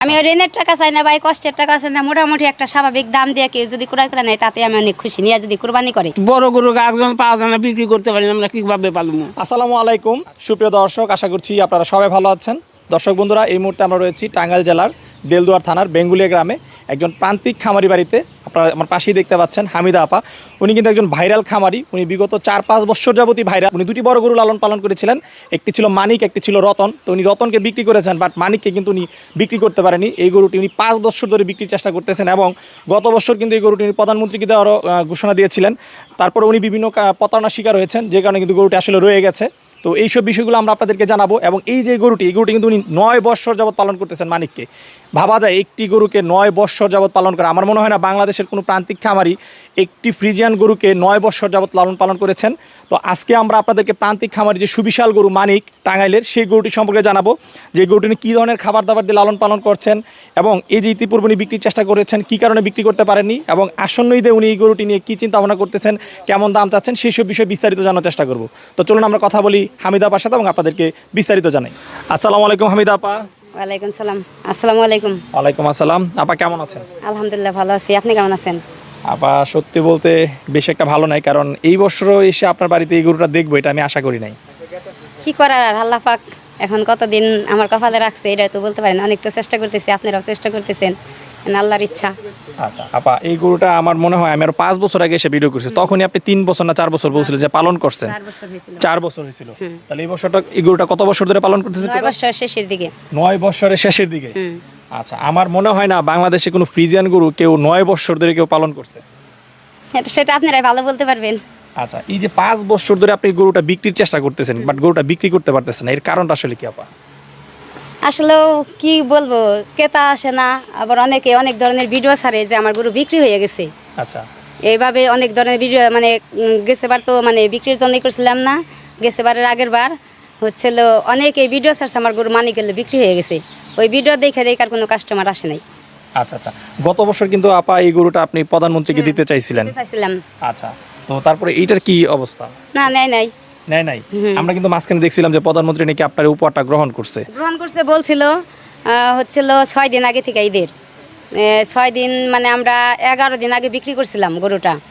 আমি ওই ঋণের টাকা চাই না ভাই, কষ্টের টাকা চাই না, মোটামুটি একটা স্বাভাবিক দাম দিয়ে কেউ যদি ক্রয় করে নেয় তাতে আমি অনেক খুশি, নিয়ে যদি কুরবানি করে। বড় গরু একজন পাওয়া যায় না, বিক্রি করতে পারি না, আমরা কিভাবে পালবো? আসসালামু আলাইকুম সুপ্রিয় দর্শক, আশা করছি আপনারা সবাই ভালো আছেন। দর্শক বন্ধুরা, এই মুহূর্তে আমরা রয়েছি টাঙ্গাইল জেলার দেলদুয়ার থানার বেঙ্গুলিয়া গ্রামে একজন প্রান্তিক খামারি বাড়িতে। আপনারা আমার পাশেই দেখতে পাচ্ছেন হামিদা আপা। উনি কিন্তু একজন ভাইরাল খামারি। উনি বিগত 4-5 বছর যাবতই ভাইরাল। উনি দুটি বড় গরু লালন পালন করেছিলেন, একটি ছিল মানিক, একটি ছিল রতন। তো উনি রতনকে বিক্রি করেছেন, বাট মানিককে কিন্তু উনি বিক্রি করতে পারেনি। এই গরুটি উনি 5 বছর ধরে বিক্রির চেষ্টা করতেছেন এবং গত বছর কিন্তু এই গরুটি উনি প্রধানমন্ত্রীকে দেওয়ারও ঘোষণা দিয়েছিলেন। তারপরে উনি বিভিন্ন প্রতারণার শিকার হয়েছেন, যে কারণে কিন্তু গরুটি আসলে রয়ে গেছে। তো এইসব বিষয়গুলো আমরা আপনাদেরকে জানাবো। এবং এই যে গরুটি, এই গরুটি কিন্তু উনি 9 বৎসর যাবৎ পালন করতেছেন মানিককে। ভাবা যায় একটি গরুকে 9 বৎসর যাবৎ পালন করা। আমার মনে হয় না বাংলাদেশের কোনো প্রান্তিক খামারি একটি ফ্রিজিয়ান গরুকে 9 বৎসর যাবৎ লালন পালন করেছেন। তো আজকে আমরা আপনাদেরকে প্রান্তিক খামারি যে সুবিশাল গরু মানিক টাঙ্গাইলের, সেই গরুটি সম্পর্কে জানাবো, যে গরুটি কী ধরনের খাবার দাবার দিয়ে লালন পালন করছেন এবং এই যে ইতিপূর্বে উনি বিক্রির চেষ্টা করেছেন, কী কারণে বিক্রি করতে পারেননি, এবং আসন্ন ঈদে উনি এই গরুটি নিয়ে কী চিন্তা ভাবনা করতেছেন, কেমন দাম চাচ্ছেন, সেই সব বিষয়ে বিস্তারিত জানার চেষ্টা করব। তো চলুন আমরা কথা বলি হামিদা আপার সাথে এবং আপনাদেরকে বিস্তারিত জানাই। আসসালামু আলাইকুম হামিদা আপা। ওয়ালাইকুম সালাম। আসসালামু আলাইকুম। ওয়ালাইকুম আসসালাম। আপা কেমন আছেন? আলহামদুলিল্লাহ ভালো আছি, আপনি কেমন আছেন? আপা সত্যি বলতে বেশ একটা ভালো নাই, কারণ এই বছরও এসে আপনার বাড়িতে এই গরুটা দেখবো এটা আমি আশা করি নাই। কি করার আর, আল্লাহ পাক এখন কতদিন আমার কপালে রাখছে এটা তো বলতে পারেন। অনেক তো চেষ্টা করতেছি, আপনারাও চেষ্টা করতেছেন, আল্লাহর ইচ্ছা। আচ্ছা আপা, এই গরুটা আমার মনে হয় আমি আরো 5 বছর আগে এসে ভিডিও করছি, তখনই আপনি 3 বছর না 4 বছর বলছিলেন যে পালন করছেন। 4 বছর হয়েছিল। 4 বছর হয়েছিল। তাহলে এই বছরটা, এই গরুটা কত বছর ধরে পালন করতেছেন? 9 বছর শেষের দিকে। 9 বছরের শেষের দিকে। হুম। আচ্ছা, আমার মনে হয় না বাংলাদেশে কোনো ফ্রিজিয়ান গরু কেউ 9 বছর ধরে কেউ পালন করছে। সেটা আপনারাই ভালো বলতে পারবেন। আচ্ছা, এই যে 5 বছর ধরে আপনি গরুটা বিক্রির চেষ্টা করতেছেন, বাট গরুটা বিক্রি করতে পারতেছেন না, এর কারণটা আসলে কি আপা? আসলেও কি বলবো, ক্রেতা আসে না, আবার অনেকে অনেক ধরনের ভিডিও ছাড়ে যে আমার গরু বিক্রি হয়ে গেছে। আচ্ছা, এইভাবে অনেক ধরনের ভিডিও, মানে গেছেবার তো মানে বিক্রির জন্য করছিলাম না, গেছেবারের আগের বার হচ্ছিল অনেক এই ভিডিও ছাড়ছে আমার গরু মানি গেলে বিক্রি হয়ে গেছে। ওই ভিডিও দেখে আর কোনো কাস্টমার আসে নাই। আচ্ছা আচ্ছা, গত বছর কিন্তু আপা এই গরুটা আপনি প্রধানমন্ত্রীকে দিতে চাইছিলেন। চাইছিলাম। আচ্ছা, তো তারপরে এইটার কি অবস্থা? না, নেয় নাই। নেয় নাই? আমরা কিন্তু মাঝখানে দেখছিলাম যে প্রধানমন্ত্রী নাকি আপনার উপহারটা গ্রহণ করছে। গ্রহণ করছে বলছিল, হচ্ছিল 6 দিন আগে থেকে ঈদের 6 দিন, মানে আমরা 11 দিন আগে বিক্রি করছিলাম গরুটা।